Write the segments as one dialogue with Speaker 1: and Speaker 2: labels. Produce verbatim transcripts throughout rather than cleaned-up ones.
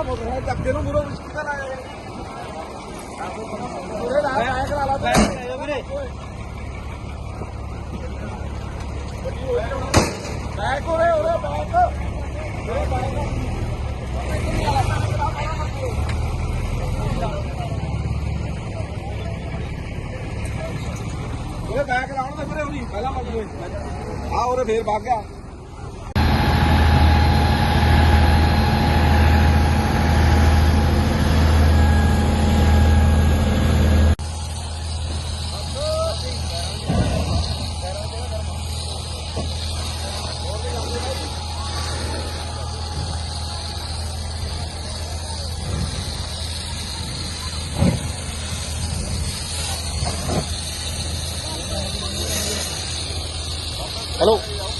Speaker 1: Motorcycle धक्के ਨੂੰ ਮੂਰੋਂ ਮੁਸ਼ਕਿਲ ਆ ਜਾਏ ਪੂਰੇ ਲਾ ਆਇਆ ਕਰਾ ਲਾ ਵੀਰੇ ਬੈਕ ਹੋਰੇ ਹੋਰੇ ਬੈਕ ਹੋਰੇ ਬੈਕ ਉਹਦੇ ਬੈਕ ਲਾਉਣ ਦੇ ਵੀਰੇ ਉਹਦੀ ਪਹਿਲਾਂ ਮੱਗ ਹੋਏ ਆ ਉਹਦੇ ਫੇਰ ਵਗ ਗਿਆ हेलो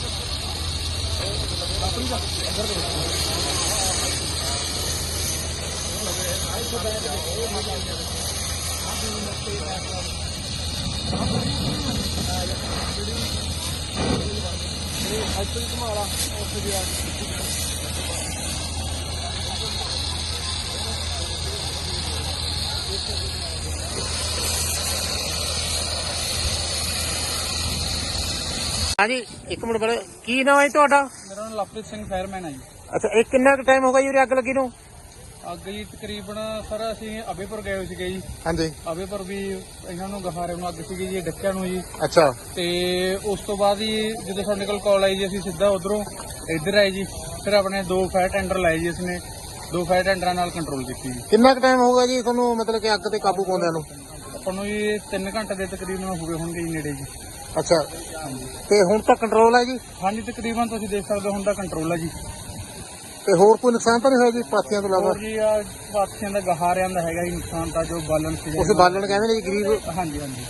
Speaker 2: हाँ जी एक मिनट पहले की नाम है ਤੁਹਾਡਾ?
Speaker 1: ਮੇਰਾ ਨਾਮ ਲਵਪ੍ਰੀਤ ਸਿੰਘ ਫਾਇਰਮੈਨ ਹੈ ਜੀ।
Speaker 2: ਅੱਛਾ ਇਹ ਕਿੰਨਾ ਕੁ ਟਾਈਮ ਹੋ ਗਿਆ ਜੀ ਅੱਗ ਲੱਗੀ ਨੂੰ?
Speaker 1: ਅੱਗ ਜੀ ਤਕਰੀਬਨ ਸਰ ਅਸੀਂ ਅਬੇਪੁਰ ਗਏ ਹੋਏ ਸੀਗੇ ਜੀ।
Speaker 2: ਹਾਂਜੀ
Speaker 1: ਅਬੇਪੁਰ ਵੀ ਇਹਨਾਂ ਨੂੰ ਗਹਾਰੇ ਨੂੰ ਅੱਗ ਸੀਗੀ ਜੀ ਡੱਕਿਆਂ ਨੂੰ ਜੀ।
Speaker 2: ਅੱਛਾ
Speaker 1: ਤੇ ਉਸ ਤੋਂ ਬਾਅਦ ਹੀ ਜਦੋਂ ਸਾਡੇ ਕੋਲ ਕਾਲ ਆਈ ਜੀ ਅਸੀਂ ਸਿੱਧਾ ਉਧਰੋਂ ਇੱਧਰ ਆਏ ਜੀ। ਫਿਰ ਆਪਣੇ ਦੋ ਫਾਇਰ ਟੈਂਡਰ ਲਾਏ ਜੀ ਇਸਨੇ ਦੋ ਫਾਇਰ ਟੈਂਡਰਾਂ ਨਾਲ ਕੰਟਰੋਲ ਕੀਤੀ ਜੀ।
Speaker 2: ਕਿੰਨਾ ਕੁ ਟਾਈਮ ਹੋ ਗਿਆ ਜੀ ਤੁਹਾਨੂੰ ਮਤਲਬ ਕਿ ਅੱਗ ਤੇ ਕਾਬੂ ਪਾਉਂਦਿਆਂ ਨੂੰ?
Speaker 1: ਆਪਾਂ ਨੂੰ ਜੀ ਤਿੰਨ ਘੰਟੇ ਦੇ ਤਕਰੀਬਨ ਹੋ ਗਏ ਹੋਣਗੇ ਜੀ ਨੇੜੇ ਜੀ।
Speaker 2: ਅੱਛਾ ਤੇ ਹੁਣ ਤਾਂ ਕੰਟਰੋਲ ਹੈ ਜੀ?
Speaker 1: ਹਾਂਜੀ ਤਕਰੀਬਨ ਤੁਸੀਂ ਦੇਖ ਸਕਦੇ ਹੋ ਹੁਣ ਦਾ ਕੰਟਰੋਲ ਹੈ ਜੀ।
Speaker 2: ਤੇ ਹੋਰ ਕੋਈ ਨੁਕਸਾਨ ਤਾਂ ਨਹੀਂ ਹੋਇਆ ਜੀ ਪਾਥੀਆਂ ਤੋਂ ਇਲਾਵਾ?
Speaker 1: ਹੋਰ ਜੀ ਆ ਪਾਥੀਆਂ ਦਾ ਗਹਾਰਿਆਂ ਦਾ ਹੈਗਾ ਜੀ ਨੁਕਸਾਨ ਤਾਂ ਜੋ ਬਾਲਣ ਸੀ
Speaker 2: ਉਸ ਬਾਲਣ ਕਹਿੰਦੇ ਨੇ ਜੀ ਗਰੀਬ।
Speaker 1: ਹਾਂਜੀ ਹਾਂਜੀ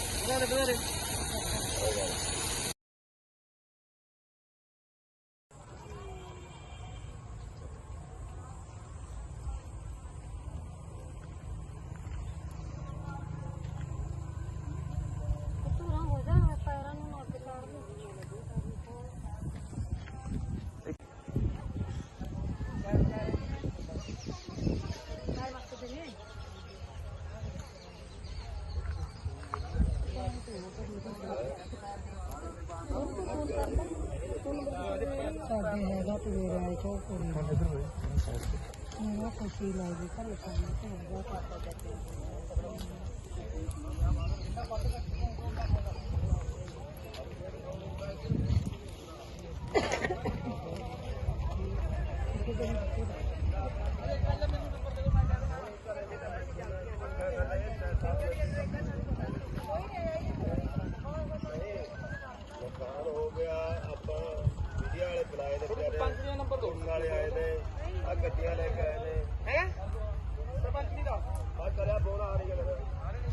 Speaker 3: ਸਾਡੇ ਹੈਗਾ ਤੇ ਮੇਰਾ ਆਇਆ ਚੋ ਕੋਈ ਮੇਰਾ ਖੁਸ਼ੀ ਲੱਗੀ ਘਰ ਕੰਮ ਤੇ ਹੈਗਾ
Speaker 1: ਵਾਲੇ ਆਏ ਨੇ ਆ ਗੱਡੀਆਂ ਲੈ ਕੇ ਆਏ ਨੇ ਹੈ ਸਰਪੰਚ ਜੀ ਦਾ ਬਾਤ ਕਰਿਆ ਫੋਨ ਆ ਰਹੀ ਹੈ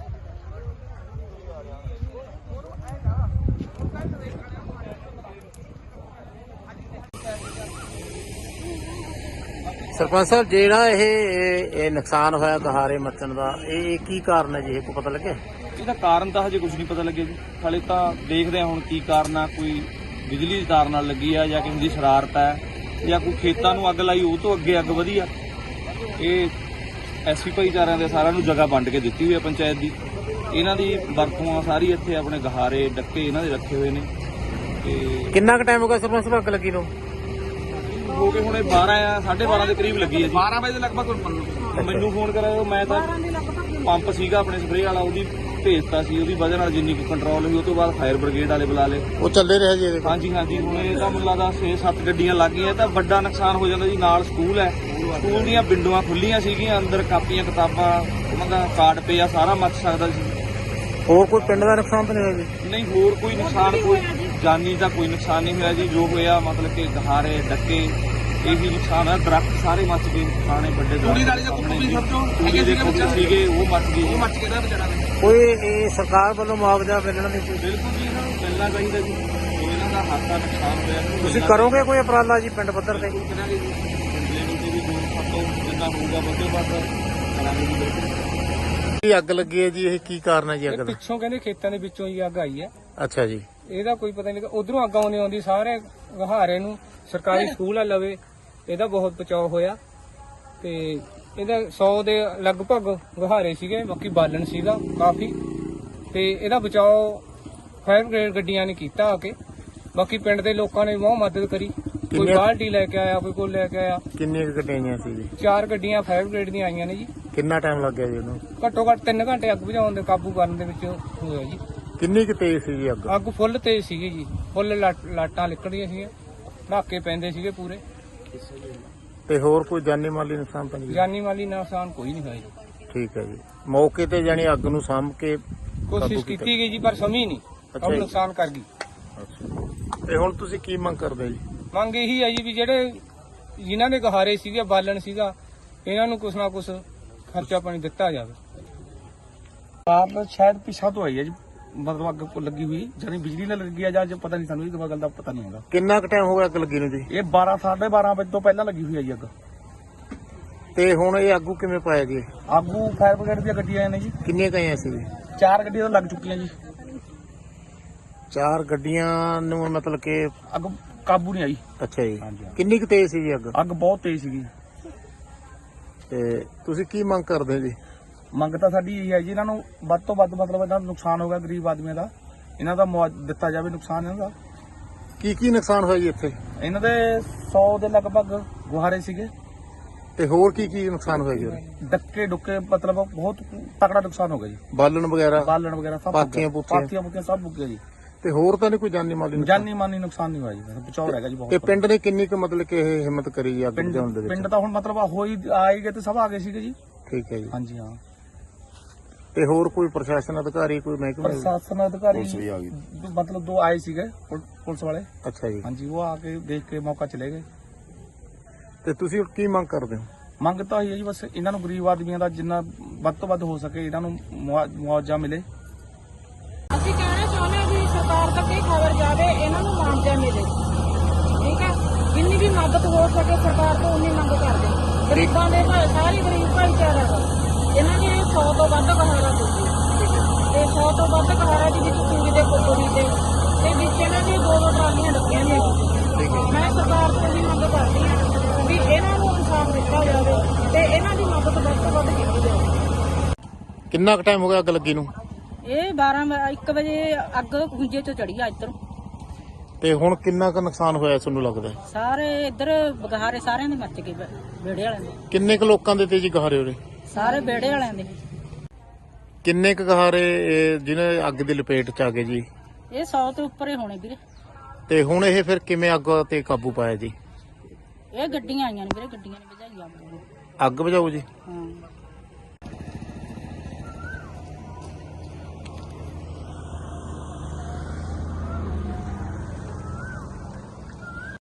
Speaker 2: ਸਰਪੰਚ ਸਾਹਿਬ ਜਿਹੜਾ ਇਹ ਇਹ ਨੁਕਸਾਨ ਹੋਇਆ ਗਹਾਰੇ ਮੱਚਣ ਦਾ ਇਹ ਕੀ ਕਾਰਨ ਹੈ ਜੀ? ਇਹ ਕੋਈ ਪਤਾ ਲੱਗਿਆ?
Speaker 1: ਇਹਦਾ ਕਾਰਨ ਤਾਂ ਹਜੇ ਕੁਝ ਨਹੀਂ ਪਤਾ ਲੱਗਿਆ ਜੀ। ਹਾਲੇ ਤਾਂ ਦੇਖਦੇ ਹਾਂ ਹੁਣ ਕੀ ਕਾਰਨ ਆ। ਕੋਈ ਬਿਜਲੀ ਦੀ ਤਾਰ ਨਾਲ ਲੱਗੀ ਆ ਜਾਂ ਕਿਸੇ ਦੀ ਸ਼ਰਾਰਤ ਹੈ ਜਾਂ ਕੋਈ ਖੇਤਾਂ ਨੂੰ ਅੱਗ ਲਾਈ ਉਹ ਤੋਂ ਅੱਗੇ ਅੱਗ ਵਧੀ ਆ। ਇਹ ਐਸੀ ਭਾਈਚਾਰਿਆਂ ਦੇ ਸਾਰਿਆਂ ਨੂੰ ਜਗ੍ਹਾ ਵੰਡ ਕੇ ਦਿੱਤੀ ਹੋਈ ਹੈ ਪੰਚਾਇਤ ਦੀ। ਇਹਨਾਂ ਦੀ ਵਰਤੋਂ ਸਾਰੀ ਇੱਥੇ ਆਪਣੇ ਗਹਾਰੇ ਡੱਕੇ ਇਹਨਾਂ ਦੇ ਰੱਖੇ ਹੋਏ ਨੇ। ਤੇ
Speaker 2: ਕਿੰਨਾ ਕੁ ਟਾਈਮ ਹੋ ਗਿਆ ਸਰਪੰਚ ਸਾਹਿਬ ਅੱਗ ਲੱਗੀ ਨੂੰ?
Speaker 1: ਹੋ ਗਏ ਹੁਣੇ ਬਾਰਾਂ ਆ ਸਾਢੇ ਬਾਰਾਂ ਦੇ ਕਰੀਬ ਲੱਗੀ ਹੈ ਜੀ। ਬਾਰਾਂ ਵਜੇ ਦੇ ਲਗਭਗ ਮੈਨੂੰ ਫੋਨ ਕਰਾਇਆ। ਮੈਂ ਤਾਂ ਪੰਪ ਸੀਗਾ ਆਪਣੇ ਸਪਰੇਅ ਵਾਲਾ ਉਹਦੀ ਭੇਜਤਾ ਸੀ। ਉਹਦੀ ਵਜ੍ਹਾ ਨਾਲ ਜਿੰਨੀ ਕੁ ਕੰਟਰੋਲ ਹੋਈ ਉਹ ਤੋਂ ਬਾਅਦ ਫਾਇਰ ਬ੍ਰਿਗੇਡ ਵਾਲੇ ਬੁਲਾ ਲਏ।
Speaker 2: ਉਹ ਚੱਲੇ ਰਿਹਾ ਜੀ ਇਹਦੇ?
Speaker 1: ਹਾਂਜੀ ਹਾਂਜੀ ਹੁਣ ਇਹ ਤਾਂ ਮੈਨੂੰ ਲੱਗਦਾ ਛੇ ਸੱਤ ਗੱਡੀਆਂ ਲੱਗ ਗਈਆਂ ਤਾਂ ਵੱਡਾ ਨੁਕਸਾਨ ਹੋ ਜਾਂਦਾ ਜੀ। ਨਾਲ ਸਕੂਲ ਹੈ, ਸਕੂਲ ਦੀਆਂ ਵਿੰਡੋਆਂ ਖੁੱਲੀਆਂ ਸੀਗੀਆਂ, ਅੰਦਰ ਕਾਪੀਆਂ ਕਿਤਾਬਾਂ ਉਹਨਾਂ ਦਾ ਕਾਰਡ ਪਿਆ ਸਾਰਾ ਮੱਚ ਸਕਦਾ ਸੀ।
Speaker 2: ਹੋਰ ਕੋਈ ਪਿੰਡ ਦਾ ਨੁਕਸਾਨ ਤਾਂ ਨਹੀਂ ਹੋਇਆ ਜੀ?
Speaker 1: ਨਹੀਂ ਹੋਰ ਕੋਈ ਨੁਕਸਾਨ ਕੋਈ ਜਾਨੀ ਦਾ ਕੋਈ ਨੁਕਸਾਨ ਨਹੀਂ ਹੋਇਆ ਜੀ। ਜੋ ਹੋਇਆ ਮਤਲਬ ਕਿ ਗਹਾਰੇ ਡੱਕੇ ਇਹੀ ਨੁਕਸਾਨ ਹੈ। ਦਰਖਤ ਸਾਰੇ ਮੱਚ ਗਏ, ਪੁਰਾਣੇ ਵੱਡੇ
Speaker 3: ਤੂੜੀ ਵਾਲੀ ਦਾ ਕੁੱਪੂ ਵੀ ਸਮਝੋ
Speaker 1: ਹੈਗੇ ਸੀਗੇ ਉਹ ਮੱਚ ਗਏ।
Speaker 3: ਉਹ ਮੱਚ ਕੇ ਦਾ ਵਿਚਾਰਾ
Speaker 2: ਕੋਈ ਇਹ ਸਰਕਾਰ ਵੱਲੋਂ ਮੁਆਵਜ਼ਾ ਮਿਲਣਾ ਨਹੀਂ?
Speaker 1: ਬਿਲਕੁਲ ਜੀ ਇਹਨਾਂ ਨੂੰ ਮਿਲਣਾ ਚਾਹੀਦਾ ਜੀ। ਜੋ ਇਹਨਾਂ ਦਾ ਹੱਥ ਦਾ ਨੁਕਸਾਨ ਹੋਇਆ
Speaker 2: ਤੁਸੀਂ ਕਰੋਗੇ ਕੋਈ ਉਪਰਾਲਾ ਜੀ ਪਿੰਡ ਪੱਧਰ ਤੇ?
Speaker 1: ਕਰਾਂਗੇ ਜੀ। ਲੈਵਲ ਤੇ ਵੀ ਜੋ ਸਾਤੋਂ ਜਿੰਨਾ ਹੋਊਗਾ ਵੱਧੋ ਵੱਧ ਕਰਾਂਗੇ ਜੀ। ਬਿਲਕੁਲ
Speaker 2: ਕੀ ਅੱਗ ਲੱਗੀ ਹੈ ਜੀ? ਇਹ ਕੀ ਕਾਰਨ ਹੈ ਜੀ ਅੱਗ ਦਾ?
Speaker 1: ਪਿੱਛੋਂ ਕਹਿੰਦੇ ਖੇਤਾਂ ਦੇ ਵਿੱਚੋਂ ਹੀ ਅੱਗ ਆਈ ਹੈ।
Speaker 2: ਅੱਛਾ ਜੀ।
Speaker 1: ਇਹਦਾ ਕੋਈ ਪਤਾ ਨਹੀਂ। ਉਧਰੋਂ ਅੱਗ ਆਉਣੀ ਆਉਂਦੀ ਸਾਰੇ ਗਹਾਰੇ ਨੂੰ। ਸਰਕਾਰੀ ਸਕੂਲ ਆ ਲਵੇ, ਇਹਦਾ ਬਹੁਤ ਬਚਾਅ ਹੋਇਆ।
Speaker 4: ਤੇ ਇਹਦਾ ਸੌ ਦੇ ਲਗਭਗ ਗਹਾਰੇ ਸੀਗੇ, ਬਾਕੀ ਬਾਲਣ ਸੀਗਾ ਕਾਫੀ, ਤੇ ਇਹਦਾ ਬਚਾਓ ਫਾਇਰ ਬ੍ਰਿਗੇਡ ਗੱਡੀਆਂ ਨੇ ਕੀਤਾ ਆ ਕੇ। ਬਾਕੀ ਪਿੰਡ ਦੇ ਲੋਕਾਂ ਨੇ ਬਹੁਤ ਮਦਦ ਕਰੀ, ਕੋਈ
Speaker 2: ਕਿੰਨੇ-
Speaker 4: ਬਾਲਟੀ ਲੈ ਕੇ ਆਇਆ, ਕੋਈ ਕੋਲ ਲੈ ਕੇ ਆਇਆ।
Speaker 2: ਕਿੰਨੀਆਂ ਕੁ ਗੱਡੀਆਂ ਆਈਆਂ ਸੀ ਜੀ?
Speaker 4: ਚਾਰ ਗੱਡੀਆਂ ਫਾਇਰ ਬ੍ਰਿਗੇਡ ਦੀਆਂ ਆਈਆਂ ਨੇ ਜੀ।
Speaker 2: ਕਿੰਨਾ ਟਾਈਮ ਲੱਗਿਆ ਜੀ ਉਹਨੂੰ?
Speaker 4: ਘੱਟੋ ਘੱਟ ਤਿੰਨ ਘੰਟੇ ਅੱਗ ਬੁਝਾਉਣ ਦੇ, ਕਾਬੂ ਕਰਨ ਦੇ ਵਿੱਚ ਹੋਇਆ ਜੀ।
Speaker 2: ਕਿੰਨੀ ਕੁ ਤੇਜ਼ ਸੀ ਜੀ ਅੱਗ?
Speaker 4: ਅੱਗ ਫੁੱਲ ਤੇਜ਼ ਸੀਗੀ ਜੀ, ਫੁੱਲ ਲਾਟ- ਲਾਟਾਂ ਨਿਕਲਦੀਆਂ ਸੀਗੀਆਂ, ਢਾਕੇ ਪੈਂਦੇ ਸੀਗੇ ਪੂਰੇ।
Speaker 2: ਤੇ ਹੋਰ ਕੋਈ ਜਾਨੀ ਮਾਲੀ ਨੁਕਸਾਨ ਤਾਂ ਨਹੀਂ?
Speaker 4: ਜਾਨੀ ਮਾਲੀ ਨੁਕਸਾਨ ਕੋਈ ਨਹੀਂ ਹੋਇਆ ਜੀ।
Speaker 2: ਠੀਕ ਹੈ ਜੀ। ਮੌਕੇ ਤੇ ਜਾਨੀ ਅੱਗ ਨੂੰ ਸਾਂਭ ਕੇ ਕਾਬੂ
Speaker 4: ਕੋਸ਼ਿਸ਼
Speaker 2: ਕੀਤਾ।
Speaker 4: ਕੀਤੀ ਗਈ ਜੀ, ਪਰ ਸਮੀ ਨਹੀਂ,
Speaker 2: ਅੱਛਾ
Speaker 4: ਉਹ
Speaker 2: ਜੀ।
Speaker 4: ਨੁਕਸਾਨ ਕਰ ਗਈ।
Speaker 2: ਤੇ ਹੁਣ ਤੁਸੀਂ ਕੀ ਮੰਗ ਕਰਦੇ ਜੀ?
Speaker 4: ਮੰਗ ਇਹੀ ਹੈ ਜੀ ਵੀ ਜਿਹੜੇ ਜਿਨ੍ਹਾਂ ਦੇ ਗਹਾਰੇ ਸੀਗੇ, ਬਾਲਣ ਸੀਗਾ, ਇਹਨਾਂ ਨੂੰ ਕੁਛ ਨਾ ਕੁਛ ਖਰਚਾ ਪਾਣੀ ਦਿੱਤਾ ਜਾਵੇ।
Speaker 1: ਆਪ ਸ਼ਾਇਦ ਪਿਛਾ ਤੋਂ ਆਈ ਹੈ ਜੀ, ਮਤਲਬ ਅੱਗ ਕੋ ਲੱਗੀ ਹੋਈ, ਜਾਨੀ ਬਿਜਲੀ ਨਾਲ ਲੱਗੀ ਆ ਜਾਂ ਜੋ ਪਤਾ ਨਹੀਂ, ਸਾਨੂੰ ਇਹ ਗੱਲ ਦਾ ਪਤਾ ਨਹੀਂ ਹੈਗਾ।
Speaker 2: ਕਿੰਨਾ ਕੁ ਟਾਈਮ ਹੋ ਗਿਆ ਅੱਗ ਲੱਗੀ ਨੂੰ ਜੀ?
Speaker 1: ਇਹ ਬਾਰਾਂ ਸਾਢੇ ਬਾਰਾਂ ਵਜੇ ਤੋਂ ਪਹਿਲਾਂ ਲੱਗੀ ਹੋਈ ਹੈ ਜੀ ਅੱਗ।
Speaker 2: ਤੇ ਹੁਣ ਇਹ ਆਗੂ ਕਿਵੇਂ ਪਾਇਆ ਜੀ?
Speaker 1: ਆਗੂ ਫਾਇਰ ਬ੍ਰਿਗੇਡ ਦੀਆਂ ਗੱਡੀਆਂ ਆਏ ਨੇ ਜੀ,
Speaker 2: ਕਿੰਨੀਆਂ ਕੁ ਆਈਆਂ ਸੀ ਜੀ?
Speaker 1: ਚਾਰ ਗੱਡੀਆਂ ਤਾਂ ਲੱਗ ਚੁੱਕੀਆਂ ਜੀ।
Speaker 2: ਚਾਰ ਗੱਡੀਆਂ ਨੂੰ ਮਤਲਬ ਕਿ
Speaker 1: ਅੱਗ ਕਾਬੂ ਨਹੀਂ ਆਈ।
Speaker 2: ਅੱਛਾ ਜੀ।
Speaker 1: ਹਾਂਜੀ, ਹਾਂ।
Speaker 2: ਕਿੰਨੀ ਕੁ ਤੇਜ਼ ਸੀ ਜੀ ਅੱਗ?
Speaker 1: ਅੱਗ ਬਹੁਤ ਤੇਜ਼ ਸੀਗੀ।
Speaker 2: ਤੇ ਤੁਸੀਂ ਕੀ ਮੰਗ ਕਰਦੇ ਹੋ ਜੀ?
Speaker 1: ਮੰਗ ਤਾਂ ਸਾਡੀ ਇਹ ਹੈ ਜੀ, ਇਹਨਾਂ ਨੂੰ ਵੱਧ ਤੋਂ ਵੱਧ, ਮਤਲਬ ਇਹਨਾਂ ਨੂੰ ਨੁਕਸਾਨ ਹੋ ਗਿਆ ਗਰੀਬ ਆਦਮੀਆਂ ਦਾ, ਇਹਨਾਂ ਦਾ ਮੁਆਵਜ਼ਾ ਦਿੱਤਾ ਜਾਵੇ, ਨੁਕਸਾਨ ਇਹਨਾਂ ਦਾ।
Speaker 2: ਕੀ ਕੀ ਨੁਕਸਾਨ ਹੋਇਆ ਜੀ ਇੱਥੇ?
Speaker 1: ਇਹਨਾਂ ਦੇ ਸੌ ਦੇ ਲਗਭਗ ਗੁਹਾਰੇ ਸੀਗੇ,
Speaker 2: ਤੇ ਹੋਰ ਕੀ ਕੀ ਨੁਕਸਾਨ ਹੋਇਆ ਜੀ ਉਹਦੇ?
Speaker 1: ਡੱਕੇ ਡੁੱਕੇ, ਮਤਲਬ ਬਹੁਤ ਤਕੜਾ ਨੁਕਸਾਨ ਹੋ ਗਿਆ ਜੀ।
Speaker 2: ਬਾਲਣ ਵਗੈਰਾ?
Speaker 1: ਬਾਲਣ ਵਗੈਰਾ ਸਭ
Speaker 2: ਪਾਥੀਆਂ ਪੂਥੀਆਂ?
Speaker 1: ਪਾਥੀਆਂ ਪੁੱਤੀਆਂ ਸਭ ਮੁੱਕ ਗਿਆ ਜੀ।
Speaker 2: ਤੇ ਹੋਰ ਤਾਂ ਨਹੀਂ ਕੋਈ ਜਾਨੀ ਮਾਲੀ ਨੁਕਸਾਨ?
Speaker 1: ਜਾਨੀ ਮਾਨੀ ਨੁਕਸਾਨ ਨਹੀਂ ਹੋਇਆ ਜੀ, ਬਚਾਓ ਹੈਗਾ ਜੀ
Speaker 2: ਤੇ
Speaker 1: ਬਹੁਤ।
Speaker 2: ਪਿੰਡ ਨੇ ਕਿੰਨੀ ਕੁ ਮਤਲਬ ਕਿ ਇਹ ਹਿੰਮਤ ਕਰੀ ਜੀ ਅੱਗ
Speaker 1: ਪਿੰਡ
Speaker 2: ਬੁਝਾਉਣ ਦੇ ਵਿੱਚ?
Speaker 1: ਪਿੰਡ ਤਾਂ ਹੁਣ ਮਤਲਬ ਹੋਈ ਆਏ ਗਏ ਤੇ ਸਭ ਆ ਗਏ ਸੀਗੇ ਜੀ।
Speaker 2: ਠੀਕ ਹੈ ਜੀ।
Speaker 1: ਹਾਂਜੀ, ਹਾਂ।
Speaker 2: ਤੇ ਹੋਰ ਕੋਈ ਪ੍ਰਸ਼ਾਸਨ ਅਧਿਕਾਰੀ, ਕੋਈ ਮਹਿਕਮਾ?
Speaker 1: ਪ੍ਰਸ਼ਾਸਨ ਅਧਿਕਾਰੀ
Speaker 2: ਪੁਲਿਸ ਵੀ ਆ ਗਈ।
Speaker 1: ਮਤਲਬ ਦੋ ਆਏ ਸੀਗੇ ਪੁਲ- ਪੁਲਿਸ ਵਾਲੇ।
Speaker 2: ਅੱਛਾ ਜੀ।
Speaker 1: ਹਾਂਜੀ, ਉਹ ਆ ਕੇ ਦੇਖ ਕੇ ਮੌਕਾ ਚਲੇ ਗਏ।
Speaker 2: ਤੇ ਤੁਸੀਂ ਹੁਣ ਕੀ ਮੰਗ ਕਰਦੇ ਹੋ?
Speaker 1: ਮੰਗ ਤਾਂ ਇਹ ਹੈ ਜੀ, ਬਸ ਇਹਨਾਂ ਨੂੰ ਗਰੀਬ ਆਦਮੀਆਂ ਦਾ ਜਿੰਨਾ ਵੱਧ ਤੋਂ ਵੱਧ ਹੋ ਸਕੇ ਇਹਨਾਂ ਨੂੰ ਮੁਆ- ਮੁਆਵਜ਼ਾ ਮਿਲੇ।
Speaker 3: ਅਸੀਂ ਕਹਿਣਾ ਚਾਹੁੰਦੇ ਹਾਂ ਵੀ ਸਰਕਾਰ ਤੱਕ ਇਹ ਖਬਰ ਜਾਵੇ, ਇਹਨਾਂ ਨੂੰ ਮੁਆਵਜ਼ਾ ਮਿਲੇ। ਠੀਕ ਹੈ, ਜਿੰਨੀ ਵੀ ਮਦਦ ਹੋ ਸਕੇ ਸਰਕਾਰ ਤੋਂ ਉਨੀ ਮੰਗ ਕਰਦੇ ਹਾਂ। ਗਰੀਬਾਂ ਦੇ ਭਾਈ, ਸਾਰੇ ਗਰੀਬ ਭਾਈਚਾਰਾ ਦਾ ਇਹਨਾਂ ਨੇ ਸੌ ਤੋਂ ਵੱਧ ਗਹਾਰਾ ਦਿੱਤੀ ਤੇ ਸੌ ਤੋਂ ਵੱਧ ਗਹਾਰਾ ਦੇ ਵਿੱਚ ਚੂੜੀ ਦੇ ਕੋਟੋਰੀ ਤੇ ਤੇ ਵਿੱਚ ਇਹਨਾਂ ਦੀ ਦੋ ਦੋ ਟਰਾਲੀਆਂ ਲੱਗੀਆਂ ਨੇ। ਮੈਂ ਸਰਕਾਰ ਤੋਂ ਵੀ ਮੰਗ ਕਰਦੀ ਹਾਂ ਵੀ ਇਹਨਾਂ ਨੂੰ ਇਨਸਾਫ ਦਿੱਤਾ ਜਾਵੇ ਤੇ ਇਹਨਾਂ ਦੀ ਮਦਦ ਵੱਧ ਤੋਂ ਵੱਧ ਕੀਤੀ ਜਾਵੇ।
Speaker 2: ਕਿੰਨਾ ਕੁ ਟਾਈਮ ਹੋ ਗਿਆ ਅੱਗ ਲੱਗੀ ਨੂੰ?
Speaker 3: ਇਹ ਬਾਰਾਂ ਇੱਕ ਵਜੇ ਅੱਗ ਖੁੰਝੇ ਤੋਂ ਚੜੀ ਆ ਇੱਧਰ।
Speaker 2: ਤੇ ਹੁਣ ਕਿੰਨਾ ਕੁ ਨੁਕਸਾਨ ਹੋਇਆ ਤੁਹਾਨੂੰ ਲੱਗਦਾ ਹੈ?
Speaker 3: ਸਾਰੇ ਇੱਧਰ ਬਗਹਾਰੇ ਸਾਰਿਆਂ ਦੇ ਮੱਚ ਗਏ, ਵਿਹੜੇ ਵਾਲਿਆਂ ਦੇ,
Speaker 2: ਕਿੰਨੇ ਕੁ ਲੋਕਾਂ ਦੇ ਤੇ ਜੀ ਗਹਾਰੇ ਉਰੇ?
Speaker 3: ਸਾਰੇ ਵਿਹੜੇ ਵਾਲਿਆਂ ਦੇ।
Speaker 2: ਕਿੰਨੇ ਕੁ ਗਹਾਰੇ ਇਹ ਜਿਹਨੇ ਅੱਗ ਦੀ ਲਪੇਟ ਚ ਆ ਗਏ ਜੀ?
Speaker 3: ਇਹ ਸੌ ਤੋਂ ਉੱਪਰ ਹੀ ਹੋਣੇ ਵੀਰੇ।
Speaker 2: ਤੇ ਹੁਣ ਇਹ ਫਿਰ ਕਿਵੇਂ ਅੱਗ ਤੇ ਕਾਬੂ ਪਾਇਆ ਜੀ?
Speaker 3: ਇਹ ਗੱਡੀਆਂ ਆਈਆਂ ਨੇ ਵੀਰੇ, ਗੱਡੀਆਂ ਨੇ ਭਜਾਈ ਅੱਗ।
Speaker 2: ਅੱਗ ਬੁਝਾਓ ਜੀ।
Speaker 3: ਹਾਂ,